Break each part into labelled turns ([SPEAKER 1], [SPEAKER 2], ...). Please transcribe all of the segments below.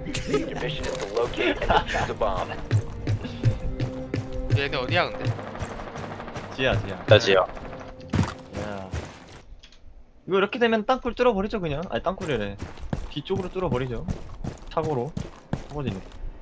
[SPEAKER 1] Your mission is to locate and defuse a bomb.
[SPEAKER 2] 얘네 어디야 근데?
[SPEAKER 3] 지야.
[SPEAKER 4] 나지야.
[SPEAKER 3] 야. 이거 이렇게 되면 땅굴 뚫어버리죠 그냥. 아니 땅굴이래. 뒤쪽으로 뚫어버리죠. 차고로. 차고지니.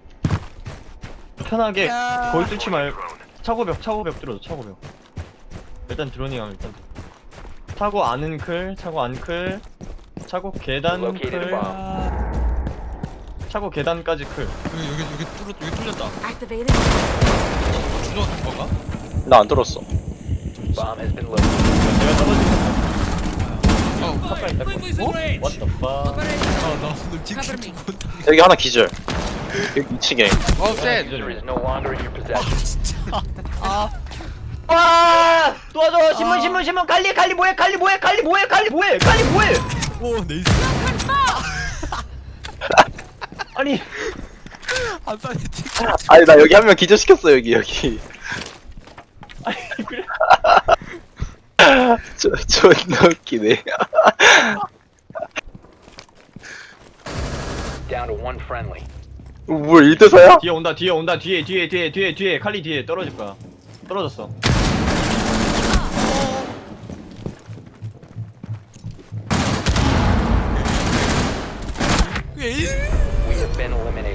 [SPEAKER 3] 편하게 거의 뚫지 말고 차고벽 뚫어줘 차고벽. 일단 드로닝하면 일단. 차고 안은 클, 차고 안 클, 차고 계단
[SPEAKER 1] Located a
[SPEAKER 3] 클,
[SPEAKER 1] bomb.
[SPEAKER 3] 차고 계단까지 클.
[SPEAKER 5] 여기 뚫렸다.
[SPEAKER 6] Activated.
[SPEAKER 5] 준호한 건가?
[SPEAKER 4] 나 안 들었어.
[SPEAKER 1] Bomb has been located.
[SPEAKER 3] 내가 떨어지면
[SPEAKER 5] 어,
[SPEAKER 3] 가까이 있다. What the fuck?
[SPEAKER 5] 나 오늘
[SPEAKER 6] Cover
[SPEAKER 5] 찍힌
[SPEAKER 6] me.
[SPEAKER 5] 못
[SPEAKER 4] 여기 하나 기절. 여기 2층에.
[SPEAKER 2] 셋!
[SPEAKER 1] User is no longer in your possession.
[SPEAKER 3] 와! 도와줘! 신문! 갈리 뭐해!
[SPEAKER 5] 오, 네이스.
[SPEAKER 3] 아니
[SPEAKER 5] 한 쌍에 찍.
[SPEAKER 4] 아니 나 여기 한 명 기절시켰어 여기.
[SPEAKER 3] 아니 그래.
[SPEAKER 4] 존나 웃기네.
[SPEAKER 1] Down to one friendly.
[SPEAKER 4] 뭐 1대4야?
[SPEAKER 3] 뒤에 온다. 뒤에 칼리 뒤에 떨어질 거야. 떨어졌어.
[SPEAKER 5] 에이.
[SPEAKER 1] We have been eliminated.